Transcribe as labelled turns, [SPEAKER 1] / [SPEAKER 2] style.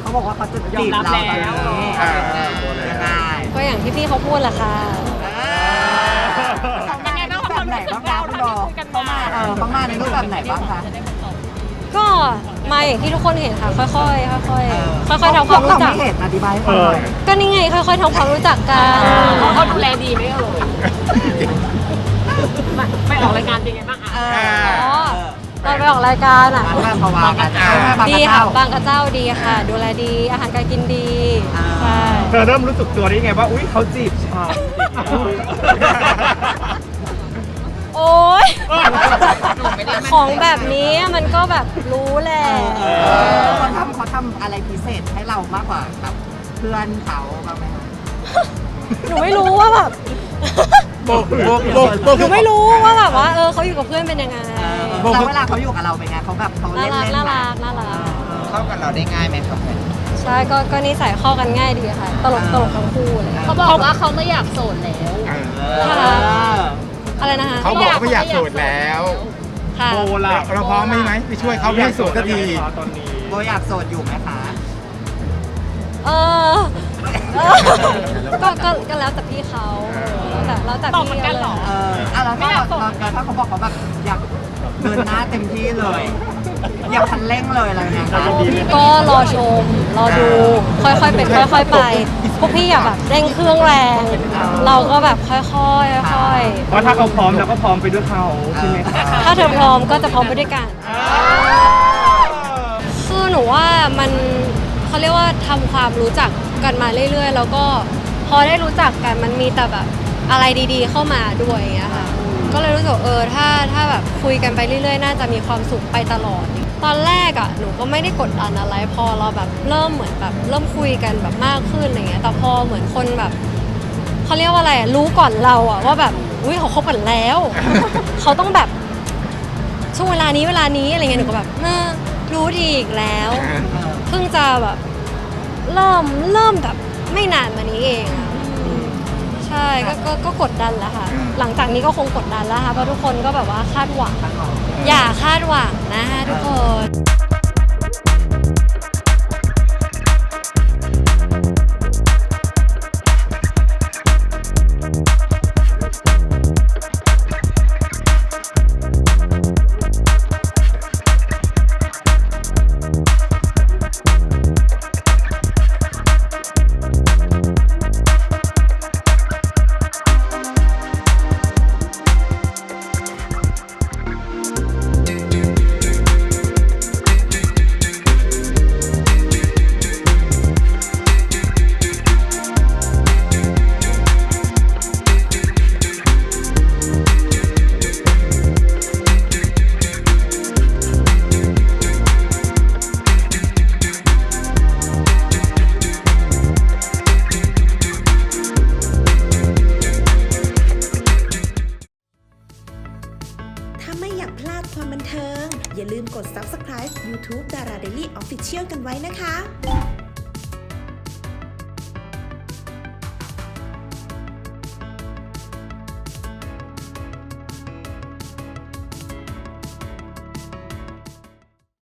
[SPEAKER 1] เขาบอกว่าเขาจะจีบเราตอนนี้ยังไง
[SPEAKER 2] ก็อย่างที่พี่เขาพูดแหละค่ะ
[SPEAKER 1] เขามาในรูปแบบไหนบ้างคะคุณโบเขามาในรูปแบบไหนบ้างคะ
[SPEAKER 2] ก็มาอย่างที่ทุกคนเห็นค่ะค่อยๆค่อยๆทำความรู้จัก
[SPEAKER 1] เห็นอธิบายให้ฟังหน่อย
[SPEAKER 2] ก็นี่ไงค่อยๆทำความรู้จักกัน
[SPEAKER 3] เขาดูแลดีไหมไม่ออกรายการเป็นไงบ้าง
[SPEAKER 2] ตอนไปออกรายการอ่ะ
[SPEAKER 1] บางกระเจ้า
[SPEAKER 2] ดีค่ะบางกระเจ้าดีค่ะดูแลดีอาหารการกินดีใช่
[SPEAKER 4] เธอเริ่มรู้สึกตัวได้ไงว่าอุ้ยเขาจีบฉัน
[SPEAKER 2] โอ๊ยของแบบนี้มันก็แบบรู้แหละ
[SPEAKER 1] เขาทำอะไรพิเศษให้เรามากกว่าแบบเพื่อนเขาบ้างไหมคะ
[SPEAKER 2] หนูไม่รู้ว่าแบบหนูไม่รู้ว่าแบบว่าเขาอยู่กับเพื่อนเป็นยังไง
[SPEAKER 1] แล้วเวลาเขาอยู่กับเราเป็นไงเขาแบบเขาเล่น
[SPEAKER 2] น่ารัก
[SPEAKER 1] เข้ากับเราได้ง่ายไหมครับ
[SPEAKER 2] ใช่ก็นิสัยเข้ากันง่ายดีค่ะตลกทั้งคู่เลย
[SPEAKER 3] เขาบอกว่าเขาไม่อยากโสดแล้ว
[SPEAKER 2] อะไรนะคะ
[SPEAKER 5] เขาบอกไม่อยากโสดแล้ว
[SPEAKER 2] โบ
[SPEAKER 4] ล่ะ
[SPEAKER 5] เราพร้อมไหมไปช่วยเขาให้โสดสักที
[SPEAKER 1] โบอยากโสดอยู่ไหมคะ
[SPEAKER 2] ก็แล้วแต่พี่เขาแล้วแต่พี่
[SPEAKER 3] กันหรอ
[SPEAKER 1] แล้วถ้าเขาบอกเขาแบบอยากเดินหน้าเต็มที่เลยอยากคันเร่งเลยอะไรเงี้ย
[SPEAKER 2] ก็รอชมรอดูค่อยๆเป็นค่อยๆไปพวกพี่อย่าแบบเร่งเครื่องแรงเราก็แบบค่อยๆ
[SPEAKER 4] เพราะถ้าเขาพร้อมเราก็พร้อมไปด้วยเขาใช่ไหม
[SPEAKER 2] ถ้าเธอพร้อมก็จะพร้อมไปด้วยกันคือหนูว่ามันเขาเรียกว่าทำความรู้จักกันมาเรื่อยๆแล้วก็พอได้รู้จักกันมันมีแต่แบบอะไรดีๆเข้ามาด้วยอย่างเงี้ยค่ะก็เลยรู้สึกถ้าแบบคุยกันไปเรื่อยๆน่าจะมีความสุขไปตลอดตอนแรกอ่ะหนูก็ไม่ได้กดดันอะไรพอเราแบบเริ่มเหมือนแบบเริ่มคุยกันแบบมากขึ้นอะไรเงี้ยแต่พอเหมือนคนแบบเขาเรียกว่าอะไรรู้ก่อนเราอ่ะว่าแบบอุ้ยเขาคบกันแล้ว เขาต้องแบบช่วงเวลานี้อะไรเงี้ยหนูก็แบบรู้ดีอีกแล้วเพิ่งจะแบบเริ่มแบบไม่นานมานี้เองใช่ก็กดดันแล้วค่ะหลังจากนี้ก็คงกดดันแล้วค่ะเพราะทุกคนก็แบบว่าคาดหวังอย่าคาดหวังนะคะทุกคน
[SPEAKER 6] ถ้าไม่อยากพลาดความบันเทิงอย่าลืมกด Subscribe YouTube Dara Daily Official กันไว้นะคะ